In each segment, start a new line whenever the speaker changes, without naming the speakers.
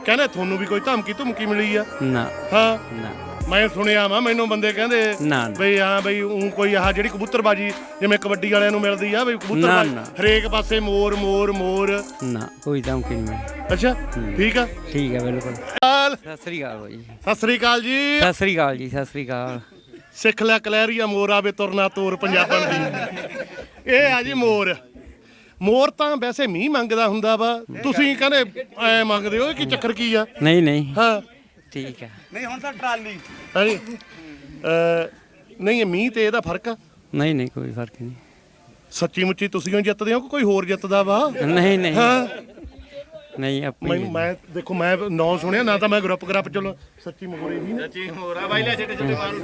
ਕਹਿੰਦੇ ਤੁਹਾਨੂੰ ਵੀ ਕੋਈ ਧਮਕੀ ਮਿਲੀ ਆ?
ਨਾ
ਹਾਂ
ਨਾ
ਮੈਂ ਸੁਣਿਆ ਵਾ, ਮੈਨੂੰ ਬੰਦੇ ਕਹਿੰਦੇ
ਨਾ
ਬਈ ਹਾਂ ਬਈ ਊਂ ਕੋਈ ਆਹ ਜਿਹੜੀ ਕਬੂਤਰਬਾਜੀ ਜਿਵੇਂ ਕਬੱਡੀ ਵਾਲਿਆਂ ਨੂੰ ਮਿਲਦੀ ਆ ਬਈ ਕਬੂਤਰਬਾਜੀ
ਨਾ।
ਹਰੇਕ ਪਾਸੇ ਮੋਰ ਮੋਰ ਮੋਰ।
ਨਾ ਕੋਈ ਧਮਕੀ ਨਹੀਂ ਮਿਲੀ।
ਅੱਛਾ ਠੀਕ ਆ
ਠੀਕ ਹੈ ਬਿਲਕੁਲ।
ਸਤਿ
ਸਤਿ ਸ੍ਰੀ ਅਕਾਲ ਜੀ।
ਸ੍ਰੀ ਅਕਾਲ ਜੀ।
ਸਤਿ ਸ੍ਰੀ ਅਕਾਲ ਜੀ। ਸਤਿ ਸ੍ਰੀ ਅਕਾਲ।
ਸਿੱਖ ਲੈ ਕਲੈਰੀਆ ਮੋਰ ਆਵੇ ਤੁਰਨਾ ਤੋਰ ਪੰਜਾਬਣ ਦੀ। ਇਹ ਆ ਜੀ ਮੋਰ। ਮੋਰ ਤਾਂ ਵੈਸੇ ਮੀਂਹ ਮੰਗਦਾ ਹੁੰਦਾ ਵਾ, ਤੁਸੀਂ ਕਹਿੰਦੇ ਐ ਮੰਗਦੇ ਹੋ, ਕੀ ਚੱਕਰ ਕੀ ਆ?
ਨਹੀਂ ਨਹੀਂ
ਹਾਂ
ਠੀਕ ਹੈ।
ਨਹੀਂ ਹੁਣ ਤਾਂ ਟਰਾਲੀ
ਹਾਂਜੀ ਨਹੀਂ ਇਹ ਮੀਂਹ ਤੇ ਇਹਦਾ ਫਰਕ ਆ?
ਨਹੀਂ ਨਹੀਂ ਕੋਈ ਫਰਕ ਨਹੀਂ।
ਸੱਚੀ ਮੁੱਚੀ ਤੁਸੀਂ ਹੀ ਜਿੱਤਦੇ ਹੋ ਕਿ ਕੋਈ ਹੋਰ ਜਿੱਤਦਾ ਵਾ?
ਨਹੀਂ ਨਹੀਂ
ਹਾਂ
ਨਹੀਂ ਆਪਣੀ
ਮੈਂ ਦੇਖੋ ਮੈਂ ਨਾਂ ਸੁਣਿਆ ਨਾ, ਤਾਂ ਮੈਂ ਗਰੁੱਪ ਚਲੋ ਸੱਚੀ ਮੋਰੇ ਹੀ
ਸੱਚੀ ਮੋਰਾ ਬਾਈ ਲੈ ਛੱਡੇ ਛੱਡੇ ਮਾਰੂ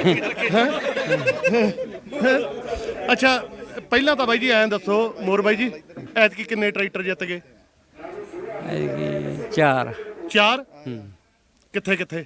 ਅੱਛਾ ਪਹਿਲਾਂ ਤਾਂ ਬਾਈ ਜੀ ਐਂ ਦੱਸੋ ਮੋਰ ਬਾਈ ਜੀ, ਐਤਕੀ ਕਿੰਨੇ ਟਰੈਕਟਰ ਜਿੱਤ ਗਏ?
ਚਾਰ।
4? ਕਿੱਥੇ ਕਿੱਥੇ?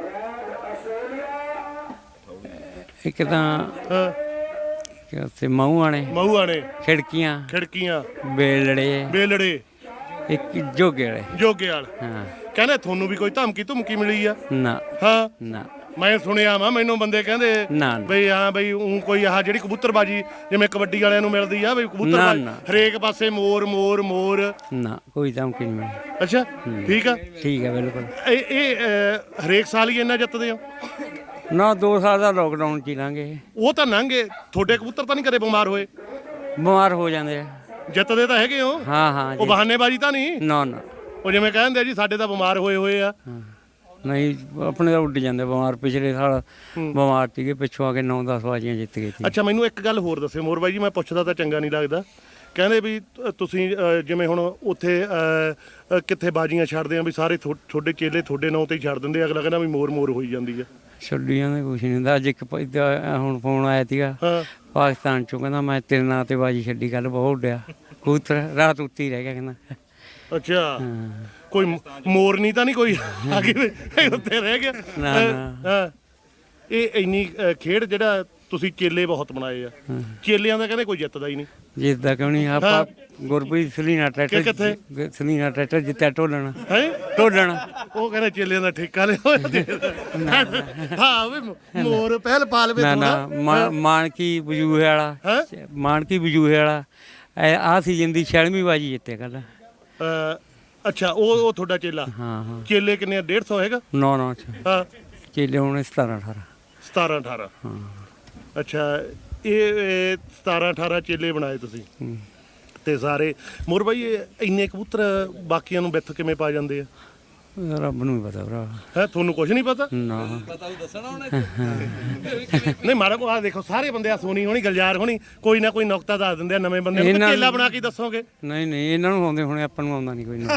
ਇੱਕ ਤਾਂ
ਹਾਂ
ਉੱਥੇ ਮਊਆਂ ਨੇ,
ਮਹੂਆ ਨੇ,
ਖਿੜਕੀਆਂ,
ਖਿੜਕੀਆਂ,
ਬੇਲੜੇ,
ਬੇਲੜੇ,
ਇੱਕ ਜੋਗੇ ਵਾਲੇ।
ਜੋਗੇ ਵਾਲ।
ਹਾਂ
ਕਹਿੰਦੇ ਤੁਹਾਨੂੰ ਵੀ ਕੋਈ ਧਮਕੀ ਮਿਲੀ ਆ?
ਨਾ
ਹਾਂ
ਨਾ
ਮੈਂ ਸੁਣਿਆ ਵਾ, ਮੈਨੂੰ ਬੰਦੇ ਕਹਿੰਦੇ
ਨਾ
ਬਈ ਹਾਂ ਬਈ ਊਂ ਕੋਈ ਆਹ ਜਿਹੜੀ ਕਬੂਤਰਬਾਜੀ ਜਿਵੇਂ ਕਬੱਡੀ ਵਾਲਿਆਂ ਨੂੰ ਮਿਲਦੀ ਆ ਬਈ ਕਬੂਤਰਬਾਜੀ
ਨਾ।
ਹਰੇਕ ਪਾਸੇ ਮੋਰ ਮੋਰ ਮੋਰ।
ਨਾ ਕੋਈ ਧਮਕੀ ਨਹੀਂ ਮਿਲੀ।
ਅੱਛਾ ਠੀਕ ਆ।
ਠੀਕ ਹੈ ਬਿਲਕੁਲ।
ਇਹ ਹਰੇਕ ਸਾਲ ਹੀ ਇੰਨਾ ਜਿੱਤਦੇ ਹੋ?
ਨਾ 2 ਸਾਲ ਦਾ ਲੋਕਡਾਊਨ ਚ ਹੀ ਲੰਘੇ।
ਉਹ ਤਾਂ ਲੰਘੇ, ਤੁਹਾਡੇ ਕਬੂਤਰ ਤਾਂ ਨਹੀਂ ਕਦੇ ਬਿਮਾਰ ਹੋਏ?
ਬਿਮਾਰ ਹੋ ਜਾਂਦੇ ਆ।
ਜਿੱਤਦੇ ਤਾਂ ਹੈਗੇ ਹੋ?
ਹਾਂ ਹਾਂ
ਉਹ
ਜੀ।
ਬਹਾਨੇਬਾਜ਼ੀ ਤਾਂ ਨਹੀਂ?
ਨਾ ਨਾ
ਉਹ ਜਿਵੇਂ ਕਹਿੰਦੇ ਆ ਜੀ ਸਾਡੇ ਤਾਂ ਬਿਮਾਰ ਹੋਏ ਆ।
ਨਹੀਂ ਆਪਣੇ ਤਾਂ ਉੱਡ ਜਾਂਦੇ ਬਿਮਾਰ। ਪਿਛਲੇ ਸਾਲ ਬਿਮਾਰ ਸੀਗੇ, ਪਿੱਛੋਂ ਆ ਕੇ 9-10 ਬਾਜ਼ੀਆਂ ਜਿੱਤ ਗਏ ਸੀ।
ਅੱਛਾ ਮੈਨੂੰ ਇੱਕ ਗੱਲ ਹੋਰ ਦੱਸਿਓ ਮੋਰ ਬਾਈ ਜੀ, ਮੈਂ ਪੁੱਛਦਾ ਤਾਂ ਚੰਗਾ ਨਹੀਂ ਲੱਗਦਾ। ਕਹਿੰਦੇ ਵੀ ਤੁਸੀਂ ਜਿਵੇਂ ਹੁਣ ਉੱਥੇ ਕਿੱਥੇ ਬਾਜ਼ੀਆਂ ਛੱਡਦੇ ਆ ਵੀ ਸਾਰੇ ਤੁਹਾਡੇ ਚੇਲੇ ਤੁਹਾਡੇ ਨਾਂ ਤੇ ਹੀ ਛੱਡ ਦਿੰਦੇ, ਅਗਲਾ ਕਹਿੰਦਾ ਵੀ ਮੋਰ ਮੋਰ ਹੋਈ ਜਾਂਦੀ ਆ।
ਛੱਡੀਆਂ ਦਾ ਕੁਛ ਨਹੀਂ ਹੁੰਦਾ। ਅੱਜ ਇੱਕ ਹੁਣ ਫੋਨ ਆਇਆ ਸੀਗਾ
ਹਾਂ
ਪਾਕਿਸਤਾਨ ਚੋਂ, ਕਹਿੰਦਾ ਮੈਂ ਤੇਰੇ ਨਾਂ ਤੇ ਬਾਜੀ ਛੱਡੀ, ਕੱਲ ਬਹੁਤ ਉੱਡਿਆ ਕਬੂਤਰ, ਰਾਤ ਉੱਤੀ ਰਹਿ ਗਿਆ ਕਹਿੰਦਾ।
ਅੱਛਾ
ਹਾਂ
ਕੋਈ ਮੋਰਨੀ ਤਾਂ ਨਹੀਂ ਕੋਈ ਆ ਕੇ ਉੱਤੇ ਰਹਿ ਗਿਆ?
ਨਾ ਨਾ
ਹਾਂ ਇਹ ਇੰਨੀ ਖੇਡ ਜਿਹੜਾ ਤੁਸੀਂ ਚੇਲੇ ਬਹੁਤ ਬਣਾਏ ਆ, ਚੇਲਿਆਂ ਦਾ ਕਹਿੰਦੇ ਕੋਈ ਜਿੱਤਦਾ ਹੀ ਨਹੀਂ।
ਜਿੱਦਾਂ ਕਿਉਂ ਨਹੀਂ ਆਪਾਂ ਗੁਰਪ੍ਰੀਤ ਸਲੀਨਾ ਟਰੈਕਟਰ, ਸਲੀਨਾ ਟਰੈਕਟਰ ਜਿੱਤਿਆ ਢੋਲਣ।
ਹੈ
ਢੋਲਣ
ਉਹ ਕਹਿੰਦੇ ਚੇਲਿਆਂ ਦਾ ਠੇਕਾ ਲਿਆ। ਹਾਂ ਵੀ ਮੋਰ ਪਹਿਲ ਪਾ ਲਵੇ
ਨਾ ਨਾ ਮਾਨਕੀ ਬਜੂਹੇ ਵਾਲਾ, ਮਾਨਕੀ ਬਜੂਹੇ ਵਾਲਾ ਆ ਸੀਜ਼ਨ ਦੀ 6ਵੀਂ ਬਾਜੀ ਜਿੱਤੇ ਕੱਲ।
ਅੱਛਾ ਉਹ ਤੁਹਾਡਾ ਚੇਲਾ?
ਹਾਂ ਹਾਂ
ਚੇਲੇ ਕਿੰਨੇ? 150 ਹੈਗਾ?
ਨਾ ਨਾ
ਹਾਂ
ਚੇਲੇ ਹੋਣੇ 17-18।
17-18
ਹਾਂ
ਅੱਛਾ ਇਹ 17-18 ਚੇਲੇ ਬਣਾਏ ਤੁਸੀਂ ਤੇ ਸਾਰੇ। ਮੋਰ ਬਾਈ ਇਹ ਇੰਨੇ ਕਬੂਤਰ ਬਾਕੀਆਂ ਨੂੰ ਵਿੱਥ ਕਿਵੇਂ ਪਾ ਜਾਂਦੇ ਆ?
ਰੱਬ ਨੂੰ ਹੀ ਪਤਾ ਭਰਾ।
ਹੈ ਤੁਹਾਨੂੰ ਕੁਝ ਨਹੀਂ ਪਤਾ?
ਨਾ
ਨਹੀਂ ਮਾਰਾ ਕੋ ਆ ਦੇਖੋ ਸਾਰੇ ਬੰਦੇ ਆ, ਸੋਨੀ ਹੋਣੀ, ਗਲਜਾਰ ਹੋਣੀ, ਕੋਈ ਨਾ ਕੋਈ ਨੁਕਤਾ ਦੱਸ ਦਿੰਦੇ ਆ ਨਵੇਂ ਬੰਦੇ ਨੂੰ। ਚੇਲਾ ਬਣਾ ਕੇ ਦੱਸੋਗੇ?
ਨਹੀਂ ਨਹੀਂ ਇਹਨਾਂ ਨੂੰ ਆਉਂਦੇ ਹੋਣੇ, ਆਪਾਂ ਨੂੰ ਆਉਂਦਾ ਨਹੀਂ ਕੋਈ ਨਾ।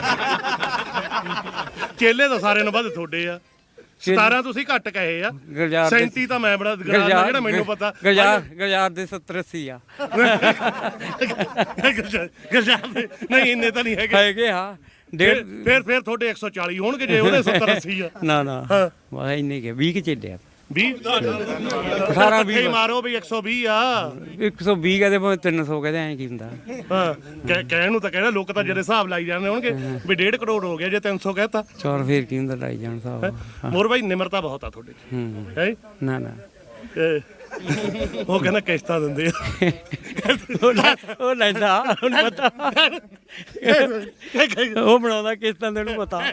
ਚੇਲੇ ਤਾਂ ਸਾਰਿਆਂ ਨੂੰ ਵੱਧ ਤੁਹਾਡੇ ਆ। 17 ਤੁਸੀਂ ਘੱਟ ਕਹੇ ਆ, 37 ਤਾਂ ਮੈਂ ਬੜਾ ਜਿਹੜਾ ਮੈਨੂੰ ਪਤਾ।
ਗਲਜਾਰ ਦੇ 70-80 ਆ।
ਗਲਜਾਰ ਦੇ ਨਹੀਂ ਇੰਨੇ ਤਾਂ ਨਹੀਂ ਹੈਗੇ।
ਹਾਂ
ਫਿਰ ਤੁਹਾਡੇ 140 ਹੋਣਗੇ ਜੇ ਉਹਦੇ 70-80 ਆ।
ਨਾ ਨਾ ਵਾਹ ਇੰਨੇ ਕੇ 20 ਚੱਲੇ ਆ।
20
18-20
ਮਾਰੋ ਵੀ 120 ਆ।
120 ਕਹਦੇ ਭਾਵੇਂ 300 ਕਹਦੇ, ਐਂ ਕੀ ਹੁੰਦਾ?
ਹਾਂ ਕਹਿਣ ਨੂੰ ਤਾਂ ਕਹਿਣਾ, ਲੋਕ ਤਾਂ ਜਿਹੜੇ ਹਿਸਾਬ ਲਾਈ ਜਾਂਦੇ ਹੋਣਗੇ ਵੀ 1.5 ਕਰੋੜ ਹੋ ਗਿਆ ਜੇ 300 ਕਹਿਤਾ।
ਚੌਰ ਫੇਰ ਕੀ ਹੁੰਦਾ, ਲਾਈ ਜਾਣ ਸਾਹਿਬ।
ਮੋਰ ਬਾਈ ਨਿਮਰਤਾ ਬਹੁਤ ਆ ਤੁਹਾਡੇ ਚ ਹੈ?
ਨਾ ਨਾ
ਉਹ ਕਹਿੰਦਾ ਕਿਸ਼ਤਾਂ ਦਿੰਦੇ ਆ।
ਉਹ ਲੈਂਦਾ ਉਹਨੂੰ ਪਤਾ, ਉਹ ਬਣਾਉਂਦਾ ਕਿਸ਼ਤਾਂ ਦੇ, ਉਹਨੂੰ ਪਤਾ।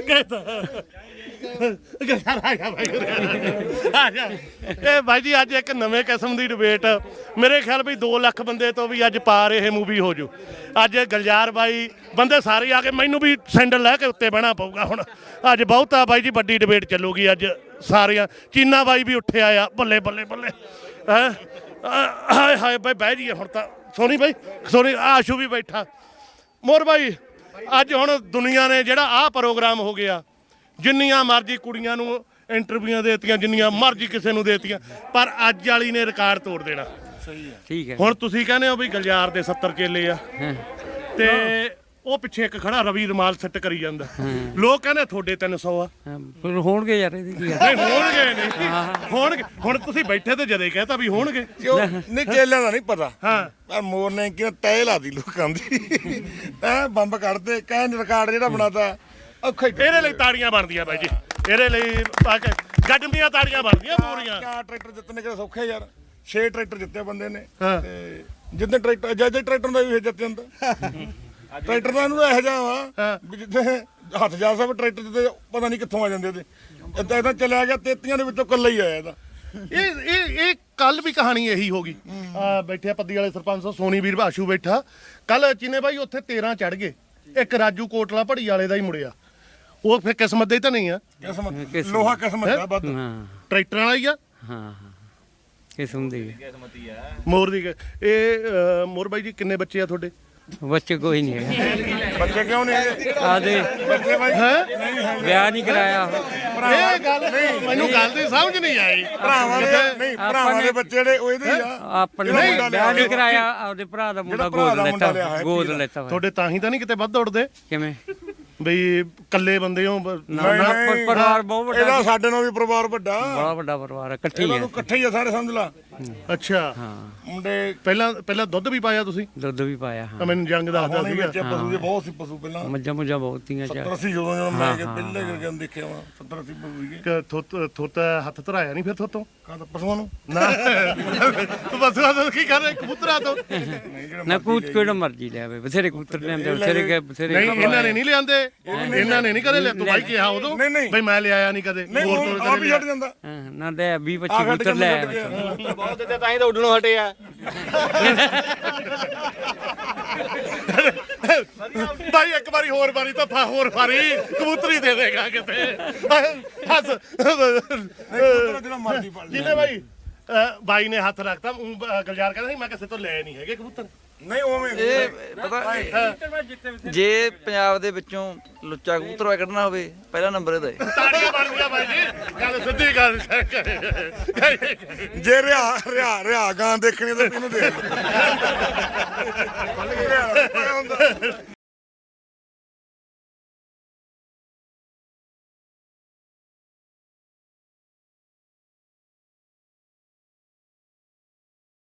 ਇਹ ਬਾਈ ਜੀ ਅੱਜ ਇੱਕ ਨਵੇਂ ਕਿਸਮ ਦੀ ਡਿਬੇਟ, ਮੇਰੇ ਖਿਆਲ ਵੀ 2 ਲੱਖ ਬੰਦੇ ਤੋਂ ਵੀ ਅੱਜ ਪਾਰ ਇਹ ਮੂਵੀ ਹੋ ਜੂ। ਅੱਜ ਗਲਜਾਰ ਬਾਈ ਬੰਦੇ ਸਾਰੇ ਆ ਕੇ, ਮੈਨੂੰ ਵੀ ਸੈਂਡਲ ਲੈ ਕੇ ਉੱਤੇ ਬਹਿਣਾ ਪਊਗਾ ਹੁਣ। ਅੱਜ ਬਹੁਤਾ ਬਾਈ ਜੀ ਵੱਡੀ ਡਿਬੇਟ ਚੱਲੂਗੀ ਅੱਜ ਸਾਰੀਆਂ। ਚੀਨਾ ਬਾਈ ਵੀ ਉੱਠਿਆ ਆ, ਬੱਲੇ ਬੱਲੇ ਬੱਲੇ। ਹਾਏ ਹਾਏ ਬਾਈ ਬਹਿ ਜੀਏ ਹੁਣ ਤਾਂ। ਸੋਨੀ ਬਾਈ, ਸੋਨੀ ਆਸ਼ੂ ਵੀ ਬੈਠਾ। ਮੋਰ ਬਾਈ ਅੱਜ ਹੁਣ ਦੁਨੀਆ ਨੇ ਜਿਹੜਾ ਆਹ ਪ੍ਰੋਗਰਾਮ ਹੋ ਗਿਆ, ਜਿੰਨੀਆਂ ਮਰਜ਼ੀ ਕੁੜੀਆਂ ਨੂੰ ਇੰਟਰਵਿਊਆਂ ਦੇਤੀਆਂ, ਜਿੰਨੀਆਂ ਮਰਜ਼ੀ ਕਿਸੇ ਨੂੰ ਦੇਤੀਆਂ, ਪਰ ਅੱਜ ਵਾਲੀ ਨੇ ਰਿਕਾਰਡ ਤੋੜ ਦੇਣਾ।
ਠੀਕ ਹੈ।
ਹੁਣ ਤੁਸੀਂ ਕਹਿੰਦੇ ਹੋ ਵੀ ਗਲਜਾਰ ਦੇ 70 ਚੇਲੇ ਆ ਤੇ ਉਹ ਪਿੱਛੇ ਇੱਕ ਖੜਾ ਰਵੀ ਰਮਾਲ ਸੈੱਟ ਕਰੀ ਜਾਂਦਾ, ਲੋਕ ਕਹਿੰਦੇ ਤੁਹਾਡੇ 300 ਆ।
ਫਿਰ ਹੋਣਗੇ ਯਾਰ, ਇਹਦੀ ਕੀ
ਨਹੀਂ ਹੋਣਗੇ, ਨਹੀਂ ਹੋਣਗੇ। ਹੁਣ ਤੁਸੀਂ ਬੈਠੇ ਤੇ ਜਦੇ ਕਹਿਤਾ ਵੀ ਹੋਣਗੇ।
ਨਹੀਂ ਚੇਲਿਆਂ ਦਾ ਨਹੀਂ ਪਤਾ।
ਹਾਂ
ਪਰ ਮੋਰ ਨੇ ਕਿਹਾ ਤੈ ਲਾਦੀ ਲੋਕਾਂ ਦੀ। ਐ ਬੰਬ ਕੱਢਦੇ, ਕਹਿ ਰਿਕਾਰਡ ਜਿਹੜਾ ਬਣਾਤਾ ਔਖਾ ਹੀ
ਇਹਦੇ ਲਈ ਤਾੜੀਆਂ ਬਣਦੀਆਂ ਬਾਈ ਜੀ, ਇਹਦੇ ਲਈ ਗੱਡਮੀਆਂ ਤਾੜੀਆਂ ਬਣਦੀਆਂ ਪੂਰੀਆਂ।
4 ਟਰੈਕਟਰ ਜਿੱਤਣੇ ਕਿਹੜਾ ਸੌਖੇ ਯਾਰ, 6 ਟਰੈਕਰ ਜਿੱਤੇ ਬੰਦੇ ਨੇ
ਹਾਂ।
ਤੇ ਜਿੱਦਾਂ ਟਰੈਕਟਰ ਜੱਜ ਟਰੈਕਟਰ ਦਾ ਵੀ ਜਿੱਤ ਜਾਂਦਾ ਟਰੈਕਟਰ ਦਾ ਇਹਨੂੰ ਇਹੋ ਜਿਹਾ ਵਾ ਵੀ ਜਿੱਥੇ ਹੱਥ ਜਾ ਸਭ ਟਰੈਕਟਰ ਤੇ ਪਤਾ ਨਹੀਂ ਕਿੱਥੋਂ ਆ ਜਾਂਦੇ ਉਹਦੇ ਇਦਾਂ ਚੱਲਿਆ ਗਿਆ 33 ਦੇ ਵਿੱਚੋਂ ਇਕੱਲਾ ਹੀ ਆਇਆ ਇਹਦਾ।
ਇਹ ਕੱਲ ਵੀ ਕਹਾਣੀ ਇਹੀ ਹੋ ਗਈ। ਬੈਠਿਆ ਪੱਦੀ ਵਾਲੇ ਸਰਪੰਚ ਸੋਨੀ ਵੀਰ ਭਾਸ਼ੂ ਬੈਠਾ ਕੱਲ ਚੀਨੇ ਬਾਈ ਉੱਥੇ 13 ਚੜ ਗਏ, ਇੱਕ ਰਾਜੂ ਕੋਟਲਾ ਭੜੀ ਵਾਲੇ ਦਾ ਹੀ ਮੁੜਿਆ। ਉਹ ਫਿਰ ਕਿਸਮਤ ਦੇ ਤਾਂ ਨਹੀਂ ਆ,
ਕਿਸਮਤ ਲੋਹਾ ਕਿਸਮਤ ਦਾ ਵੱਧ।
ਹਾਂ
ਟਰੈਕਟਰ ਵਾਲਾ ਹੀ ਆ।
ਹਾਂ ਕਿਸਮ ਦੀ
ਮੋਰ ਦੀ ਇਹ ਮੋਰ ਬਾਈ ਜੀ ਕਿੰਨੇ ਬੱਚੇ ਆ ਤੁਹਾਡੇ?
ਬੱਚੇ ਕੋਈ ਨਹੀਂ ਹੈਗੇ।
ਬੱਚੇ ਕਿਉਂ ਨਹੀਂ ਹੈਗੇ?
ਆਦੇ
ਬੱਚੇ ਬਾਈ
ਵਿਆਹ ਨਹੀਂ ਕਰਾਇਆ।
ਇਹ ਗੱਲ ਮੈਨੂੰ ਗੱਲ ਦੀ ਸਮਝ ਨਹੀਂ ਆਈ।
ਭਰਾਵਾਂ ਦੇ ਨਹੀਂ, ਭਰਾਵਾਂ ਦੇ ਬੱਚੇ ਜਿਹੜੇ ਉਹ ਇਹਦੇ ਹੀ ਆ।
ਆਪਣੇ ਵਿਆਹ ਨਹੀਂ ਕਰਾਇਆ, ਆਪਦੇ ਭਰਾ ਦਾ ਮੁੰਡਾ ਗੋਦ ਲੈਤਾ
ਤੁਹਾਡੇ ਤਾਂ ਹੀ ਤਾਂ ਨਹੀਂ ਕਿਤੇ ਵੱਧ ਉੱਡਦੇ
ਕਿਵੇਂ
ਬਈ ਕੱਲੇ ਬੰਦੇ ਹੋ।
ਪਰਿਵਾਰ ਬਹੁਤ ਵੱਡਾ,
ਇਹਦਾ ਸਾਡੇ ਨਾਲ ਵੀ ਪਰਿਵਾਰ ਵੱਡਾ,
ਬੜਾ ਵੱਡਾ ਪਰਿਵਾਰ ਇਕੱਠੇ
ਇਹਨਾਂ
ਹੀ
ਨੂੰ ਇਕੱਠੇ ਹੀ ਆ ਸਾਰੇ ਸਮਝ ਲਾ।
ਅੱਛਾ
ਹਾਂ
ਮੁੰਡੇ
ਪਹਿਲਾਂ ਦੁੱਧ ਵੀ ਪਾਇਆ ਤੁਸੀਂ?
ਦੁੱਧ ਵੀ ਪਾਇਆ। ਹਾਂ
ਮੈਨੂੰ ਜੰਗ ਦੱਸਦਾ
ਹੁਣੇ
ਸੀਗਾ।
ਵਿੱਚ ਪਸ਼ੂ ਦੇ ਬਹੁਤ ਸੀ ਪਸ਼ੂ ਪਹਿਲਾਂ
ਮੱਝਾਂ ਬਹੁਤ ਤੀਆਂ
70 80 ਜਦੋਂ ਮੈਂ ਪਹਿਲੇ ਕਰਕੇ ਦੇਖਿਆ ਵਾ 70 80 ਪਸ਼ੂ ਸੀਗੇ।
ਥੋਤ ਹੱਥ ਧਰਾਇਆ ਨਹੀਂ ਫਿਰ ਥੋਤੋਂ
ਕਾਹਦਾ ਪਸ਼ੂਆਂ ਨੂੰ
ਨਾ ਤੂੰ ਬਸਵਾ ਤੋਂ ਕੀ ਕਰ ਰਿਹਾ ਕਬੂਤਰਾਂ ਤੋਂ?
ਨਾ ਕੂਤ ਕਿਹੜਾ ਮਰਜੀ ਲੈ ਆਵੇ, ਬਥੇਰੇ ਕਬੂਤਰ ਲਿਆਂਦੇ ਬਥੇਰੇ
ਨਹੀਂ ਇਹਨਾਂ ਨੇ ਨਹੀਂ ਲਿਆਂਦੇ, ਇਹਨਾਂ ਨੇ ਨਹੀਂ ਕਦੇ ਲਿਆ। ਤੂੰ ਬਾਈ ਕਿਹਾ ਉਦੋਂ ਬਈ ਮੈਂ ਲਿਆਇਆ ਨਹੀਂ ਕਦੇ, ਹੋਰ ਤੋਂ
ਆ ਵੀ ਛੱਡ ਜਾਂਦਾ।
ਨਾ ਲੈ 20 25 ਕਬੂਤਰ ਲੈ
ਬਹੁਤ ਦਿੱਤੇ ਤਾਂ ਹੀ ਤਾਂ ਉੱਡਣੋਂ ਹਟੇ ਆ।
ਬਾਈ ਇੱਕ ਵਾਰੀ ਹੋਰ ਵਾਰੀ ਤਾਂ ਹੋਰ ਵਾਰੀ ਕਬੂਤਰੀ ਦੇ ਦੇਗਾ ਕਿਤੇ। ਹੱਸ
ਜਿਹੜਾ ਮਰਜ਼ੀ ਪੜ ਲੈ।
ਜਿਹਨੇ ਬਾਈ ਬਾਈ ਨੇ ਹੱਥ ਰੱਖਤਾ ਗਲਜਾਰ ਕਹਿੰਦਾ ਸੀ ਮੈਂ ਕਿਸੇ ਤੋਂ ਲੈ ਨਹੀਂ ਹੈਗੇ ਕਬੂਤਰ।
ਨਹੀਂ ਉਵੇਂ
ਇਹ ਪਤਾ ਜੇ ਪੰਜਾਬ ਦੇ ਵਿੱਚੋਂ ਲੁੱਚਾ ਕਬੂਤਰ ਕੱਢਣਾ ਹੋਵੇ ਪਹਿਲਾ ਨੰਬਰ ਇਹਦਾ ਹੈ।
ਤਾੜੀਆਂ ਬਣਦੀਆਂ ਬਾਈ ਜੀ, ਗੱਲ ਸਿੱਧੀ ਗੱਲ।
ਜੇ ਰਿਆ ਗਾਂ ਦੇਖਣੀ ਤਾਂ ਇਹਨੂੰ ਦੇਖ